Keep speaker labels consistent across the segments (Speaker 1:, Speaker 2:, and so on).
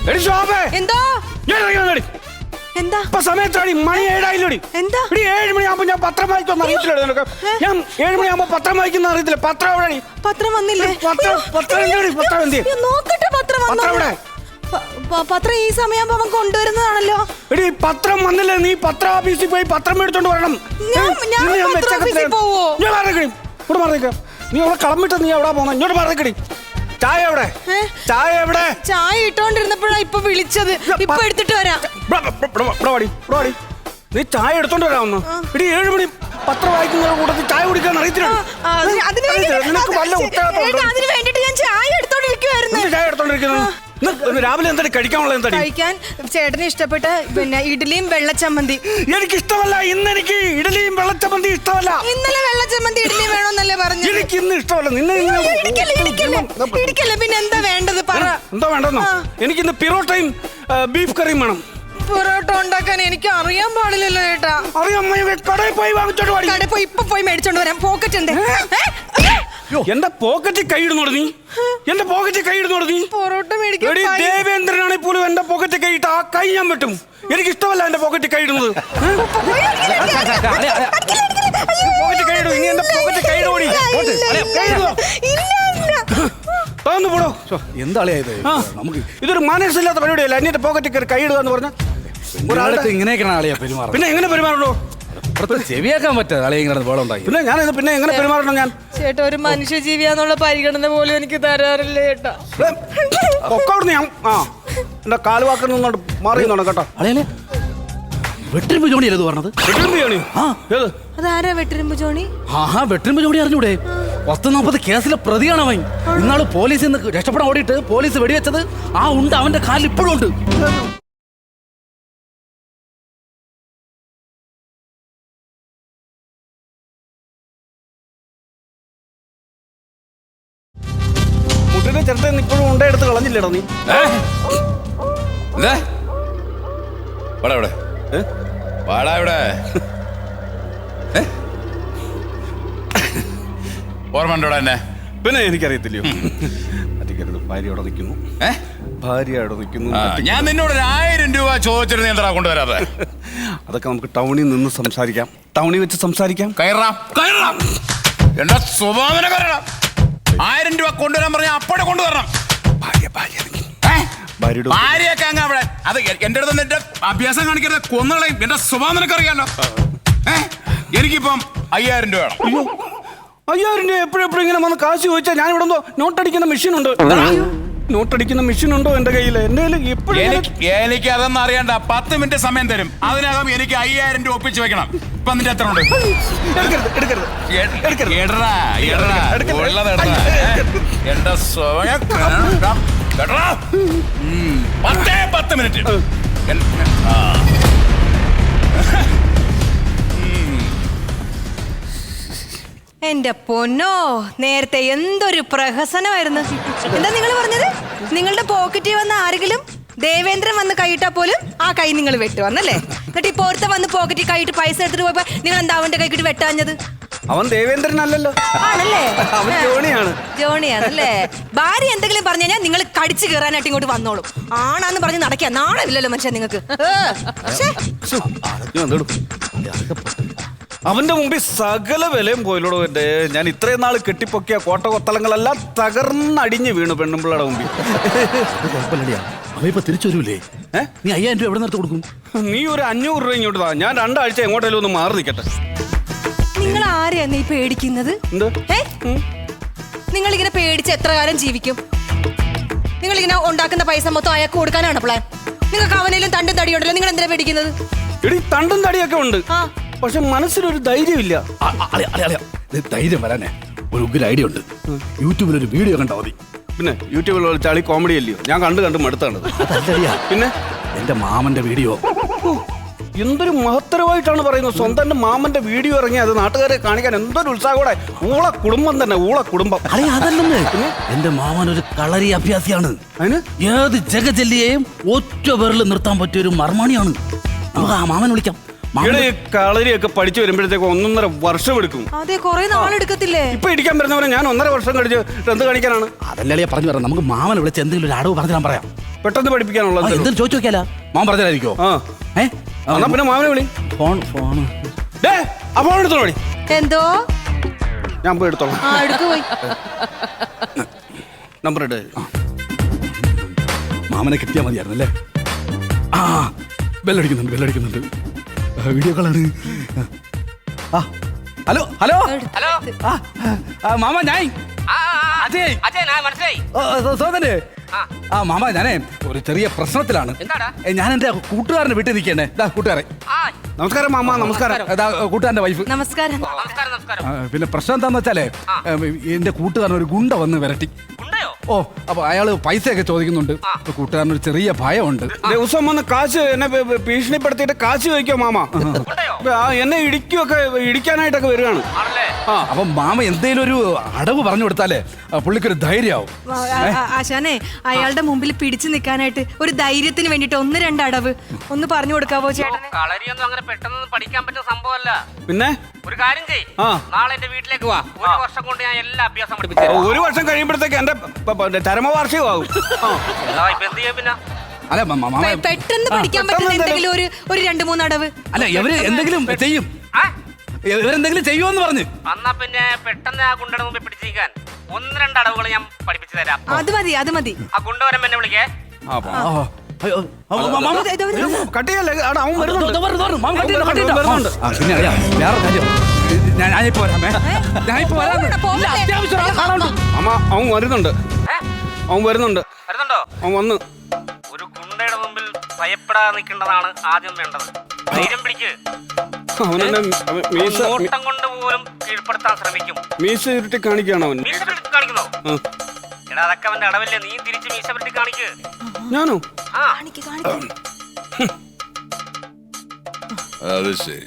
Speaker 1: എടി ശോഭേ,
Speaker 2: എന്തോ
Speaker 1: ഞാൻ ഇറങ്ങി വന്നെടി.
Speaker 2: എന്താ
Speaker 1: ഇപ്പൊ സമയത്താടി, മണി 7
Speaker 2: എന്താ?
Speaker 1: എടി 7 മണിയാകുമ്പോ ഞാൻ പത്രം വായിക്കുന്ന അറിയത്തില്ല നിനക്ക്. ഞാൻ 7 മണിയാകുമ്പോ പത്രം വായിക്കുന്ന അറിയത്തില്ല. പത്രം എവിടെയാടി?
Speaker 2: പത്രം വന്നില്ലേ?
Speaker 1: പത്രം എന്തിനാടി? പത്രം എന്തി?
Speaker 2: നോക്കട്ടെ പത്രം
Speaker 1: പത്രം എവിടെ?
Speaker 2: പത്രം ഈ സമയമാകുമ്പോ അവൻ കൊണ്ടുവരുന്നതാണല്ലോ.
Speaker 1: എടി പത്രം വന്നില്ലേ? നീ പത്ര ഓഫീസിൽ പോയി പത്രം എടുത്തോണ്ട് വരണം.
Speaker 2: ഞാൻ പത്ര ഓഫീസിൽ പോവോ?
Speaker 1: ഞാൻ പറഞ്ഞേക്കടി, ഇവിടെ പറഞ്ഞേക്ക. നീ അവിടെ കളമിട്ട് നീ എവിടെ പോന്ന? ഇങ്ങോട്ട് പറഞ്ഞേക്കടി. ചായ എവിടെ? ചായ എവിടെ?
Speaker 2: ചായ ഇട്ടോണ്ടിരുന്നപ്പോഴാ ഇപ്പൊ വിളിച്ചത്. ഇപ്പൊ എടുത്തിട്ട് വരാം.
Speaker 1: നീ ചായ എടുത്തോണ്ട് വരാമെന്ന്. ഇടി 7 മണി പത്രം വായിക്കുന്ന കൂട്ടത്തിൽ ചായ കുടിക്കാൻ അറിയത്തില്ല. നിനക്ക് വല്ല ഉത്തരവാദിത്തം
Speaker 2: അതിന് വേണ്ടിട്ട് ഞാൻ ചായ എടുത്തോണ്ടിരിക്കുവായിരുന്നു.
Speaker 1: ചായ എടുത്തോണ്ടിരിക്കുന്നത് രാവിലെ എന്താ കഴിക്കാനുള്ള? എന്താ
Speaker 2: കഴിക്കാൻ ചേട്ടന് ഇഷ്ടപ്പെട്ട പിന്നെ ഇഡ്ഡലിയും വെള്ളച്ചമ്മന്തി.
Speaker 1: എനിക്ക് ഇഷ്ടമല്ല. ഇന്ന് എനിക്ക് ഇഡലിയും വെള്ളച്ചമ്മന്തി ഇഷ്ടമല്ല.
Speaker 2: ഇന്നലെ വെള്ളച്ചമ്മന്തി ഇഡ്ഡലിയും വേണമെന്നല്ലേ പറഞ്ഞു?
Speaker 1: എനിക്ക് ഇന്ന് ഇഷ്ടമല്ല. നിന്നെ
Speaker 2: ഇടിക്കല്ലേ, പിന്നെ എന്താ വേണ്ടത് പറ.
Speaker 1: എന്താ വേണ്ടെന്നോ? എനിക്കിന്ന് പിറോട്ടയും ബീഫ് കറിയും വേണം.
Speaker 2: പൊറോട്ട ഉണ്ടാക്കാൻ എനിക്ക് അറിയാൻ പാടില്ലല്ലോ ചേട്ടാ.
Speaker 1: അറിയാം, കടയിൽ പോയി വാങ്ങിച്ചോണ്ട് വാടി.
Speaker 2: കടയിൽ പോയി ഇപ്പൊ പോയി മേടിച്ചോണ്ട് വരാം. പോക്കറ്റ് ഉണ്ട്.
Speaker 1: എന്റെ പോക്കറ്റിൽ കൈയിടുന്നോട് നീ. എന്റെ പോക്കറ്റിൽ കൈയിടുന്നോട് നീ.
Speaker 2: പൊറോട്ട മേടിക്കാൻ
Speaker 1: ദേവേന്ദ്രനാണെങ്കിൽ പോലും എന്റെ പോക്കറ്റിൽ കൈയിട്ട് ആ കൈ ഞാൻ വെട്ടും. എനിക്ക് ഇഷ്ടമല്ല എന്റെ പോക്കറ്റിൽ കൈയിടുന്നത്. പോക്കറ്റിൽ കൈയിടും. ഇനി എന്റെ പോക്കറ്റിൽ കൈയിടോടി. പോടോ.
Speaker 3: എന്താളിയായത്? നമുക്ക്
Speaker 1: ഇതൊരു മനസ്സില്ലാത്ത പരിപാടിയല്ല. എന്റെ പോക്കറ്റിൽ കയറി കൈയിടുക എന്ന് പറഞ്ഞാൽ
Speaker 3: ഒരാളത്ത് ഇങ്ങനെയൊക്കെയാണ് ആളിയാ പെരുമാറുന്നത്.
Speaker 1: പിന്നെ എങ്ങനെ പെരുമാറണോ?
Speaker 3: ചെവിയാക്കാൻ പറ്റാതെ ആളെ ഇങ്ങനെ വേളം ഉണ്ടായി.
Speaker 1: പിന്നെ ഞാൻ പിന്നെ എങ്ങനെ പെരുമാറണം? ഞാൻ
Speaker 2: ചേട്ടാ ഒരു മനുഷ്യജീവിയാന്നുള്ള പരിഗണന പോലും എനിക്ക് തരാറില്ല ചേട്ടാ.
Speaker 1: ഒക്കെ അവിടുന്ന് ഞാൻ എന്റെ കാലുവാക്കിൽ നിന്നോട്ട് മാറിയുന്നോ കേട്ടോ.
Speaker 3: അളിയല്ലേ വെട്ടിരുമ്പ് ജോണിയല്ലേ ഇത് പറഞ്ഞത്?
Speaker 2: അതാരാ വെട്ടിരുമ്പ് ജോണി?
Speaker 3: വെട്ടിരുമ്പ് ജോണി അറിഞ്ഞൂടെ? 140 കേസിലെ പ്രതിയാണ് അവൻ. ഇന്നാള് പോലീസിൽ നിന്ന് രക്ഷപ്പെടാൻ ഓടിയിട്ട് പോലീസ് വെടിവെച്ചത് ആ ഉണ്ട് അവന്റെ കാലിൽ ഇപ്പോഴും ഉണ്ട്.
Speaker 1: മുട്ടിന്റെ ചെറുത്തെ ഇപ്പോഴും ഉണ്ടെടുത്ത് കളഞ്ഞില്ലേടാ നീ?
Speaker 4: ഓർമ്മണ്ടോടാ എന്നെ?
Speaker 1: പിന്നെ എനിക്കറിയത്തില്ലയോ? ഭാര്യ അവിടെ നിൽക്കുന്നു. ഭാര്യ അവിടെ നിൽക്കുന്നു.
Speaker 4: ഞാൻ നിന്നോട് 1000 രൂപ ചോദിച്ചിരുന്നു, എന്താ കൊണ്ടുവരാതെ?
Speaker 1: അതൊക്കെ നമുക്ക് ടൗണിൽ നിന്ന് സംസാരിക്കാം. ടൗണിൽ വെച്ച് സംസാരിക്കാം.
Speaker 4: എന്റെ സ്വഭാവന കയറണം. 1000 രൂപ കൊണ്ടുവരാൻ പറഞ്ഞാൽ അപ്പോഴെ കൊണ്ടുവരണം. ഭാര്യയൊക്കെ അങ്ങ് അവിടെ. അത് എന്റെ അടുത്ത് എന്റെ അഭ്യാസം കാണിക്കരുത്, കൊന്നുകളയും. എന്റെ സ്വഭാവം നിനക്കറിയാലോ. എനിക്കിപ്പം 5000 രൂപ വേണം.
Speaker 1: 5000 രൂപ എപ്പോഴെപ്പോഴും ഇങ്ങനെ വന്ന് കാശ് ചോദിച്ചാൽ ഞാൻ ഇവിടെ നോട്ടടിക്കുന്ന മെഷീൻ ഉണ്ട്. നോട്ടടിക്കുന്ന മെഷീൻ ഉണ്ടോ എന്റെ കയ്യിൽ? എന്റെ
Speaker 4: എനിക്ക് അതൊന്നും അറിയണ്ട. 10 മിനിറ്റ് സമയം തരും. അതിനകം എനിക്ക് 5000 രൂപ ഒപ്പിച്ച് വെക്കണം. ഇപ്പൊ നിന്റെ എത്ര ഉണ്ട്? എന്റെ സ്വയം 10 മിനിറ്റ്.
Speaker 2: എന്റെ പൊന്നോ, നേരത്തെ എന്തൊരു പ്രഹസനമായിരുന്നു. എന്താ നിങ്ങൾ പറഞ്ഞത്? നിങ്ങളുടെ പോക്കറ്റിൽ വന്ന ആരെങ്കിലും ദേവേന്ദ്രൻ വന്ന് കൈയിട്ടാ പോലും ആ കൈ നിങ്ങൾ വെട്ടുവന്നല്ലേ? എന്നിട്ട് ഇപ്പൊ ഒരുത്ത വന്ന് പോക്കറ്റിൽ കൈയിട്ട് പൈസ എടുത്തിട്ട് പോയപ്പോ നിങ്ങൾ എന്താ അവന്റെ കൈക്കിട്ട് വെട്ടാഞ്ഞത്?
Speaker 1: അവൻ ദേവേന്ദ്രൻ അല്ലല്ലോ.
Speaker 2: ആണല്ലേ?
Speaker 1: അവൻ ജോണിയാണ്.
Speaker 2: ജോണിയാണല്ലേ? ഭാര്യ എന്തെങ്കിലും പറഞ്ഞു കഴിഞ്ഞാൽ നിങ്ങൾ കടിച്ചു കയറാനായിട്ട് ഇങ്ങോട്ട് വന്നോളും. ആണാന്ന് പറഞ്ഞ് നടക്കുക. നാണമില്ലല്ലോ മനുഷ്യൻ നിങ്ങൾക്ക്.
Speaker 1: അവന്റെ മുമ്പിൽ സകല വിലയും പോയില്ലോടോ. എന്റെ ഞാൻ ഇത്രയും നാൾ കെട്ടിപ്പൊക്കിയ കോട്ട കൊത്തളങ്ങളെല്ലാം തകർന്നടിഞ്ഞ് വീണു പെണ്ണുമ്പിള്ളയുടെ മുമ്പിൽ.
Speaker 3: അവ തിരിച്ചു വരൂലേ? നീ 5000 രൂപ എവിടെ നിർത്തി കൊടുക്കും?
Speaker 1: നീ ഒരു 500 രൂപ ഇങ്ങോട്ട് താ. ഞാൻ 2 ആഴ്ച എങ്ങോട്ടേലും ഒന്ന് മാറി നിൽക്കട്ടെ.
Speaker 2: നിങ്ങൾ ആരെയാ നീ പേടിക്കുന്നത്? നിങ്ങളിങ്ങനെ പേടിച്ച് എത്ര കാലം ജീവിക്കും? നിങ്ങളിങ്ങനെ ഉണ്ടാക്കുന്ന പൈസ മൊത്തം അയാൾക്ക് കൊടുക്കാനാണ് പ്ലാൻ? നിങ്ങൾക്ക് അവനേലും തണ്ടും തടിയുണ്ടല്ലോ, നിങ്ങൾ എന്തിനാ പേടിക്കുന്നത്?
Speaker 1: എടി തണ്ടും തടിയൊക്കെ ഉണ്ട്, പക്ഷെ മനസ്സിലൊരു ധൈര്യമില്ല.
Speaker 3: ധൈര്യം വരാനേ ഒരു ഉഗ്ര ഐഡിയ ഉണ്ട്. യൂട്യൂബിൽ ഒരു വീഡിയോ കണ്ടാൽ മതി.
Speaker 1: പിന്നെ യൂട്യൂബിൽ ചളി കോമഡി അല്ലയോ? ഞാൻ കണ്ട് മടുത്താണ്. പിന്നെ
Speaker 3: എന്റെ മാമന്റെ വീഡിയോ
Speaker 1: എന്തൊരു മഹത്തരമായിട്ടാണ് പറയുന്നത്. സ്വന്തം മാമന്റെ വീഡിയോ ഇറങ്ങി അത് നാട്ടുകാരെ കാണിക്കാൻ എന്തൊരു ഉത്സാഹത്തോടെ. ഊള കുടുംബം തന്നെ, ഊള കുടുംബം.
Speaker 3: അതല്ലെന്ന്, എന്റെ മാമൻ ഒരു കളരി അഭ്യാസിയാണ്. അതിന് ഏത് ജഗജല്ലിയെയും ഒറ്റ പേരിൽ നിർത്താൻ പറ്റിയ ഒരു മർമാണിയാണ്. നമുക്ക് ആ മാമൻ വിളിക്കാം.
Speaker 1: കളരിയൊക്കെ പഠിച്ചു വരുമ്പോഴത്തേക്ക് 1.5 വർഷം എടുക്കും.
Speaker 2: അതെ, കുറെ നാളെടുക്കത്തില്ലേ?
Speaker 1: ഇപ്പൊ ഇടിക്കാൻ വരുന്നവരെ ഞാൻ 1.5 വർഷം കഴിച്ച് എന്ത് കാണിക്കാനാണ്?
Speaker 3: അതല്ലേ പറഞ്ഞു തരാം. നമുക്ക് മാമനെ വിളിച്ച് എന്തെങ്കിലും ഒരു അടവ് പറഞ്ഞു തരാൻ പറയാം.
Speaker 1: പെട്ടെന്ന് പഠിപ്പിക്കാനുള്ള
Speaker 3: എന്തും ചോദിച്ചു നോക്കിയാലോ? മാമൻ പറഞ്ഞായിരിക്കോ?
Speaker 1: ആ എന്നാ പിന്നെ മാമനെ വിളി.
Speaker 3: ഫോൺ
Speaker 1: ആ ഫോൺ എടുത്തോളൂ വിളി.
Speaker 2: എന്തോ
Speaker 1: ഞാൻ പോയി എടുത്തോളാം.
Speaker 2: ആ എടുക്കു പോയി.
Speaker 1: നമ്പർ ഇട്ട്.
Speaker 3: മാമനെ കിട്ടിയാൽ മതിയായിരുന്നു അല്ലേ? ആ ബെല്ലടിക്കുന്നുണ്ട്. വീഡിയോ കോളാണ്. ആ ഹലോ ഹലോ
Speaker 5: ഹലോ
Speaker 3: മാമ ഞാൻ അജയ്
Speaker 5: മനസ്സിലായി.
Speaker 3: സോദന്. ആ മാമ ഞാനേ ഒരു ചെറിയ പ്രശ്നത്തിലാണ്.
Speaker 5: എന്താടാ?
Speaker 3: ഞാൻ എന്റെ കൂട്ടുകാരനെ വീട്ടിൽ നിൽക്കണേ. കൂട്ടുകാരെ
Speaker 1: നമസ്കാരം മാമ. നമസ്കാരം.
Speaker 3: കൂട്ടുകാരന്റെ വൈഫ്.
Speaker 2: നമസ്കാരം.
Speaker 5: നമസ്കാരം.
Speaker 3: പിന്നെ പ്രശ്നം എന്താന്ന് വെച്ചാലേ എന്റെ കൂട്ടുകാരൻ ഒരു ഗുണ്ട വന്ന് വിരട്ടി.
Speaker 5: ഉണ്ടയോ?
Speaker 3: ഓ അപ്പൊ അയാള് പൈസയൊക്കെ ചോദിക്കുന്നുണ്ട്. കൂട്ടുകാരനൊരു ചെറിയ ഭയമുണ്ട്.
Speaker 1: ദിവസം വന്ന് കാശ് എന്നെ ഭീഷണിപ്പെടുത്തിയിട്ട് കാശ് ചോദിക്കോ മാമ.
Speaker 5: ഉണ്ടയോ?
Speaker 1: എന്നെ ഇടിക്കാനായിട്ടൊക്കെ വരികയാണ്.
Speaker 5: ആണല്ലേ?
Speaker 3: അപ്പൊ മാമ എന്തേലും ഒരു അടവ് പറഞ്ഞു കൊടുത്താലേ പുള്ളിക്കൊരു ധൈര്യമാവും.
Speaker 2: ആശാനെ അയാളുടെ മുമ്പിൽ പിടിച്ചു നിൽക്കാനായിട്ട് ഒരു ധൈര്യത്തിന് വേണ്ടിട്ട് 1-2 അടവ് ഒന്ന് പറഞ്ഞു കൊടുക്കാവോ ചേട്ടന്?
Speaker 5: കളരിയൊന്നും അങ്ങനെ പെട്ടെന്ന് പഠിക്കാൻ പറ്റുന്ന സംഭവമല്ല.
Speaker 1: പിന്നെ
Speaker 5: ഒരു കാര്യം ചെയ്യ്,
Speaker 1: ആ.
Speaker 5: നാളെ എന്റെ വീട്ടിലേക്ക് വാ. 1 വർഷം കൊണ്ട് ഞാൻ എല്ലാ അഭ്യാസം പഠിപ്പിച്ചു.
Speaker 1: 1 വർഷം കഴിയുമ്പോഴത്തേക്ക് എന്റെ ചരമവാർഷികമാകും.
Speaker 5: ഇപ്പൊ എന്ത് ചെയ്യാ പിന്നെ?
Speaker 3: അല്ല മാമ
Speaker 2: പെട്ടെന്ന് പഠിക്കാൻ പറ്റുന്ന എന്തെങ്കിലും ഒരു 2-3 അടവ്.
Speaker 3: അല്ല ഇവര് എന്തെങ്കിലും ചെയ്യും.
Speaker 5: ആ?
Speaker 3: ഇവരെന്തെങ്കിലും ചെയ്യുമെന്ന് പറഞ്ഞു.
Speaker 5: എന്നാ പിന്നെ പെട്ടെന്ന് ആ ഗുണ്ടയുടെ മുമ്പിൽ പിടിച്ചിരിക്കാൻ 1-2 അടവുകൾ ഞാൻ പഠിപ്പിച്ചു തരാം.
Speaker 2: അത് മതി.
Speaker 5: ആ ഗുണ്ട വരുമ്പോ എന്നെ വിളിക്കേ.
Speaker 1: കട്ടിയല്ലേ അവൻ വരുന്നുണ്ട്.
Speaker 3: വരുന്നുണ്ട്. പിന്നെ അറിയാം വേറെ കാര്യം. ഞാനിപ്പോ വരാമേ. ഞാനിപ്പോ വരാം. അത്യാവശ്യം ആളെ കാണാനുണ്ട്.
Speaker 1: അമ്മ അവൻ വരുന്നുണ്ട്.
Speaker 5: വരുന്നുണ്ടോ?
Speaker 1: അവൻ വന്ന്.
Speaker 5: ഒരു ഗുണ്ടയുടെ മുമ്പിൽ ഭയപ്പെടാതെ നിൽക്കേണ്ടതാണ് ആദ്യം വേണ്ടത്. ധൈര്യം പിടിക്ക്.
Speaker 1: അവനെന്നെ
Speaker 5: നോട്ടം കൊണ്ട് പോലും കീഴ്പ്പെടുത്താൻ ശ്രമിക്കും.
Speaker 1: മീശ ഇരുട്ടി കാണിക്കുകയാണ് അവൻ.
Speaker 5: മീശ പിടിച്ച് കാണിക്കുന്നോ? എടാ അതൊക്കെ അവന്റെ അടവല്ലേ. നീ തിരിച്ച് മീശ പിടിച്ച് കാണിക്ക്.
Speaker 1: ഞാനോ?
Speaker 5: ആ
Speaker 4: അത് ശരി.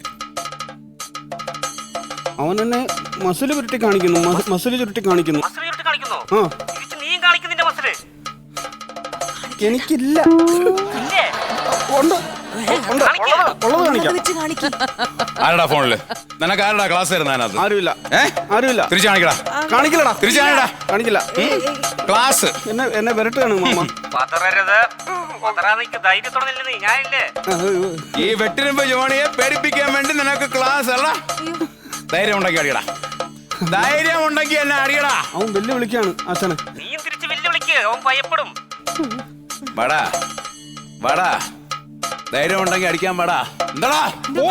Speaker 1: അവൻ എന്നെ മസിൽ ചുരുട്ടി കാണിക്കുന്നു. മസിൽ ചുരുട്ടി കാണിക്കുന്നു.
Speaker 5: മസിൽ ചുരുട്ടി കാണിക്കുന്നോ?
Speaker 1: ആ
Speaker 5: തിരിച്ച് നീയും കാണിക്കുന്നിന്റെ മസില്.
Speaker 1: എനിക്കില്ല.
Speaker 5: ഇല്ലേ?
Speaker 1: ഉണ്ട്. ഉള്ളത് കാണിക്കാം.
Speaker 4: ആരടാ ഫോണില്? നിനക്ക് ആരടാ ക്ലാസ് തരുന്ന അതിനകത്ത്?
Speaker 1: ആരുമില്ല.
Speaker 4: ആരുമില്ല. തിരിച്ചു കാണിക്കടാ.
Speaker 1: കാണിക്കില്ലടാ.
Speaker 4: തിരിച്ചു കാണിക്കടാ.
Speaker 1: കാണിക്കില്ല.
Speaker 4: ക്ലാസ്
Speaker 1: എന്നെ വിരട്ടുകയാണ് മാമ.
Speaker 5: പതറരുത്. പതറാ നിക്ക്. ധൈര്യത്തോടെ നില്ല് നീ. ഞാനില്ലേ?
Speaker 4: ഈ വെട്ടിനുമ്പോ ജോണിയെ പേടിപ്പിക്കാൻ വേണ്ടി നിനക്ക് ക്ലാസ് അല്ല. ധൈര്യം ഉണ്ടെങ്കിൽ അടിയടാ. ധൈര്യം ഉണ്ടെങ്കിൽ എന്നെ അടിയടാ.
Speaker 1: അവൻ വെല്ലുവിളിക്കാണ് ആശാനെ.
Speaker 5: നീയും തിരിച്ച് വെല്ലുവിളിക്ക്. അവൻ ഭയപ്പെടും.
Speaker 4: വാടാ വാടാ. ധൈര്യം ഉണ്ടെങ്കിൽ അടിക്കാൻ പാടാ. എന്താടാ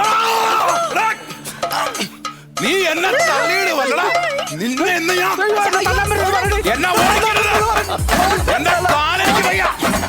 Speaker 4: നീ എന്നെ തള്ളിയിട് വല്ലടാ. നിന്നെ എന്ന് ഞാൻ എന്നെ ഓടിക്കരുത്. എന്റെ കാലേക്ക് വയ്യ.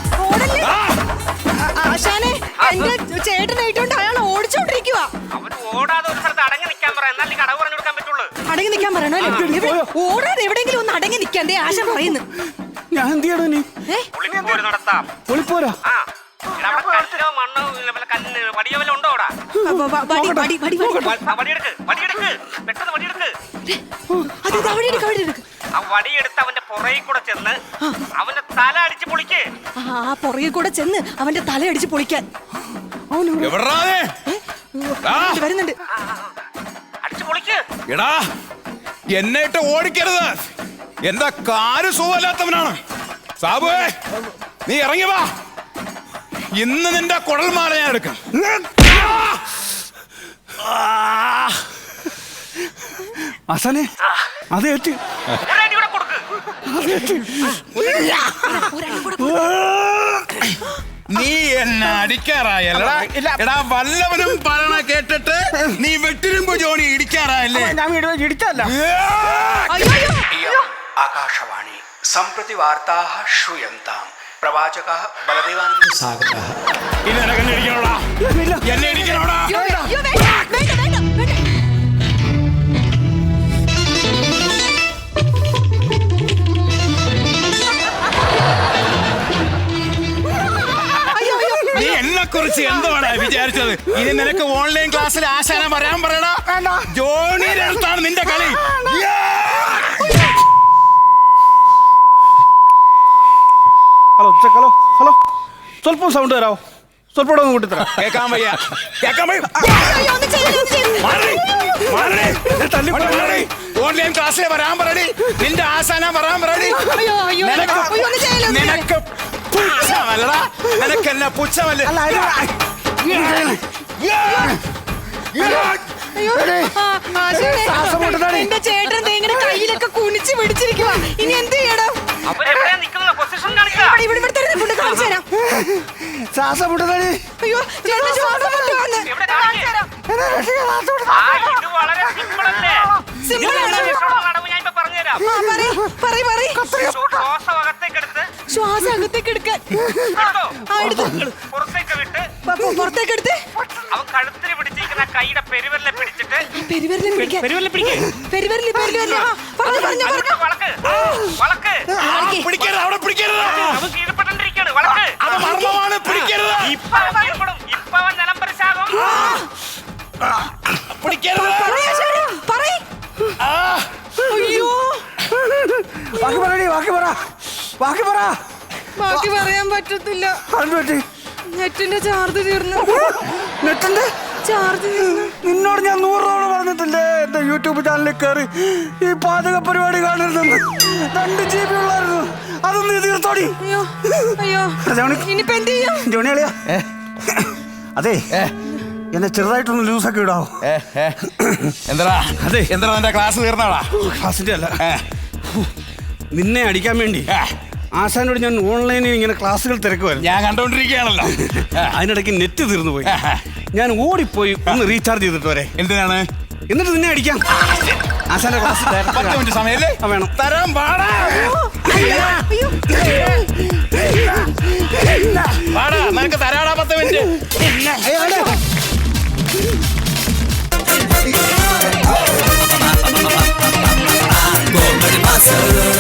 Speaker 2: ആശാനെ എന്റെ ചേട്ടനായിട്ടുണ്ട് അയാൾ ഓടിച്ചോണ്ടിരിക്കുക.
Speaker 5: അവന് ഓടാതെ ഒരു സ്ഥലത്ത് അടങ്ങി നിൽക്കാൻ പറ. എന്നാൽ നീ അടവ് പറഞ്ഞു കൊടുക്കാൻ പറ്റുള്ളൂ.
Speaker 2: അടങ്ങി നിൽക്കാൻ പറയണോ? ഓടാതെ എവിടെയെങ്കിലും ഒന്ന് അടങ്ങി നിൽക്കാൻ ദേ ആശാൻ പറയുന്നു.
Speaker 1: ഞാൻ എന്ത് ചെയ്യണോ നീ?
Speaker 5: ഒളിപ്പോര് നടത്താം.
Speaker 1: ഒളിപ്പോരാ.
Speaker 5: ആ എടാ, അവിടെ കല്ലോ മണ്ണോ കല്ല് വടിയോ വല്ല ഉണ്ടോ അവിടെ? വടിയെടുക്ക്. പെട്ടെന്ന് വടിയെടുക്ക്. ആ വടിയെടുത്ത് അവന്റെ പുറകിൽ കൂടെ ചെന്ന് അവന്റെ തല അടിച്ച് പൊളിക്ക്.
Speaker 2: ആ പുറകിൽ കൂടെ ചെന്ന് അവന്റെ തല അടിച്ച് പൊളിക്കാൻ വരുന്നുണ്ട്.
Speaker 5: അടിച്ച് പൊളിക്ക്.
Speaker 4: എടാ എന്നെ ഇട്ട് ഓടിക്കരുത്. എന്റെ കാല് സുഖമില്ലാത്തവനാണ്. സാബുവേ നീ ഇറങ്ങി വാ. ഇന്ന് നിന്റെ കുഴൽമാല ഞാൻ എടുക്കാം.
Speaker 1: ആശാനെ അത് ഏറ്റ്.
Speaker 5: ഒരടി കൂടെ കൊടുക്ക്.
Speaker 4: നീ എന്നെ അടിക്കാറായല്ലടാ. എടാ വല്ലവനും പറയണ കേട്ടിട്ട് നീ വെട്ടിരുമ്പോ ജോണി ഇടിക്കാറായല്ലേ?
Speaker 1: ഞാൻ ഇടിച്ചല്ല.
Speaker 6: आकाशवाणी सम्प्रति वार्ताः श्रूयन्ताम् प्रवाचकः बलदेवानन्द सागरः
Speaker 4: ഇനി നിനക്ക് എന്നെ ഇടിക്കണോടാ? എന്നെ ഇടിക്കണോടാ? നീ എന്നെ കുറിച്ച് എന്തുവാണ് വിചാരിച്ചത്? ഇനി നിനക്ക് ഓൺലൈൻ ക്ലാസ്സിൽ ആശാന വരാൻ പറയടാ. ജോണിയുടെ അടുത്താണ് നിന്റെ കളി.
Speaker 1: ഹലോ സ്വല്പം സൗണ്ട് തരാമോ? സ്വല്പം ഒന്ന് കൂട്ടിത്തരാം.
Speaker 4: കേക്കാൻ വയ്യ. ഓൺലൈൻ ക്ലാസ്സിൽ വരാൻ പറയടി. നിന്റെ ആശാന വരാൻ പറയടി. നിനക്ക് പുച്ഛമല്ലടാ നിനക്കെന്നെ പുച്ഛമല്ലേ
Speaker 1: അല്ല
Speaker 2: അയ്യോ, ആശാനെ, എന്റെ ചേട്ടൻ ദേ ഇങ്ങനെ കയ്യിലൊക്കെ കുനിച്ച് പിടിച്ചിരിക്കുവാ. ഇനി എന്ത് ചെയ്യണം?
Speaker 5: അവരെവിടെയാ നിൽക്കുന്ന പൊസിഷൻ കാണിക്കുക.
Speaker 2: ഇവിടെ തന്നെ ഫുഡ് കാണിച്ചു തരാം.
Speaker 1: ശ്വാസം മുട്ടുന്നടി.
Speaker 2: അയ്യോ ചേട്ടൻ ശ്വാസം മുട്ടുവാന്ന്.
Speaker 5: എവിടെ കാണിക്കുക? ആ, ഇത് വളരെ സിമ്പിൾ അല്ലേ?
Speaker 2: Simple ആണോ?
Speaker 5: രക്ഷപ്പെടുന്ന അടവ് ഞാൻ ഇപ്പൊ പറഞ്ഞുതരാം. ശ്വാസം അകത്തേക്കെടുത്ത്
Speaker 2: ശ്വാസം അകത്തേക്ക് എടുക്കാൻ
Speaker 5: എടുത്തോ?
Speaker 2: എടുത്തു.
Speaker 5: പുറത്തേക്ക് വിട്ട്
Speaker 2: പുറത്തേക്ക് എടുത്ത്
Speaker 5: അവൻ കഴുത്തിന് പിടിച്ചിരിക്കുന്ന കൈയുടെ പെരുവിരലെ പിടിച്ചിട്ട്
Speaker 2: പെരുവിരലിൽ പിടിക്കാൻ.
Speaker 5: പെരുവിരലെ പിടിക്ക്.
Speaker 2: പെരുവിരലിൽ പറഞ്ഞു
Speaker 5: എന്നിട്ട് വളക്ക് വളക്ക്.
Speaker 4: പിടിക്കരുത് അവിടെ പിടിക്കരുത്
Speaker 5: അവൻ കീഴ്പ്പെട്ടിരിക്കാണ്. വളക്ക്.
Speaker 4: അത് മർമ്മമാണ് പിടിക്കരുത്
Speaker 5: ഇപ്പൊ അവൻ കീഴ്പ്പെടും. ഇപ്പൊ അവൻ നിലംപരിശാകും.
Speaker 4: പിടിക്കരുത്
Speaker 2: അയ്യോ
Speaker 1: ബാക്കി പറയടി, ബാക്കി പറ.
Speaker 2: ബാക്കി പറയാൻ പറ്റത്തില്ല.
Speaker 1: അത് പറ്റി.
Speaker 2: നെറ്റിന്റെ ചാർജ് തീർന്നു.
Speaker 1: നെറ്റിന്റെ
Speaker 2: ചാർജ് തീർന്നു.
Speaker 1: നിന്നോട് ഞാൻ 100 തവണ പറഞ്ഞിട്ടില്ലേ എന്റെ യൂട്യൂബ് ചാനലിൽ കയറി ഈ പാചക പരിപാടി കാണരുതെന്ന്. 2 GB ഉള്ളായിരുന്നു, അതൊന്ന് തീർത്തോടി.
Speaker 2: അയ്യോ അയ്യോ ഇനിയിപ്പോ എന്ത് ചെയ്യും?
Speaker 1: ജോണിയാളിയാ അതെ എന്നെ ചെറുതായിട്ടൊന്ന് ലൂസൊക്കെ ഇടാവോ?
Speaker 4: എന്താ അതെ എന്താ നിന്റെ ക്ലാസ് തീർന്നാടാ?
Speaker 1: ക്ലാസിന്റെ അല്ല, നിന്നെ അടിക്കാൻ വേണ്ടി ആശാനോട് ഞാൻ ഓൺലൈനിൽ ഇങ്ങനെ ക്ലാസ്സുകൾ തിരക്കുമായിരുന്നു.
Speaker 4: ഞാൻ കണ്ടോണ്ടിരിക്കുകയാണല്ലോ.
Speaker 1: അതിനിടയ്ക്ക് നെറ്റ് തീർന്നു പോയി. ഞാൻ ഓടിപ്പോയി ഒന്ന് റീചാർജ് ചെയ്തിട്ട് വരെ.
Speaker 4: എന്തിനാണ്?
Speaker 1: എന്നിട്ട് നിന്നെ അടിക്കാം. ആശാന്റെ ക്ലാസ്
Speaker 4: 10 മിനിറ്റ് സമയല്ലേ?
Speaker 1: വേണം.
Speaker 4: തരാൻ പാടാ പാടാ നിനക്ക് തരാടാ 10 മിനിറ്റ്.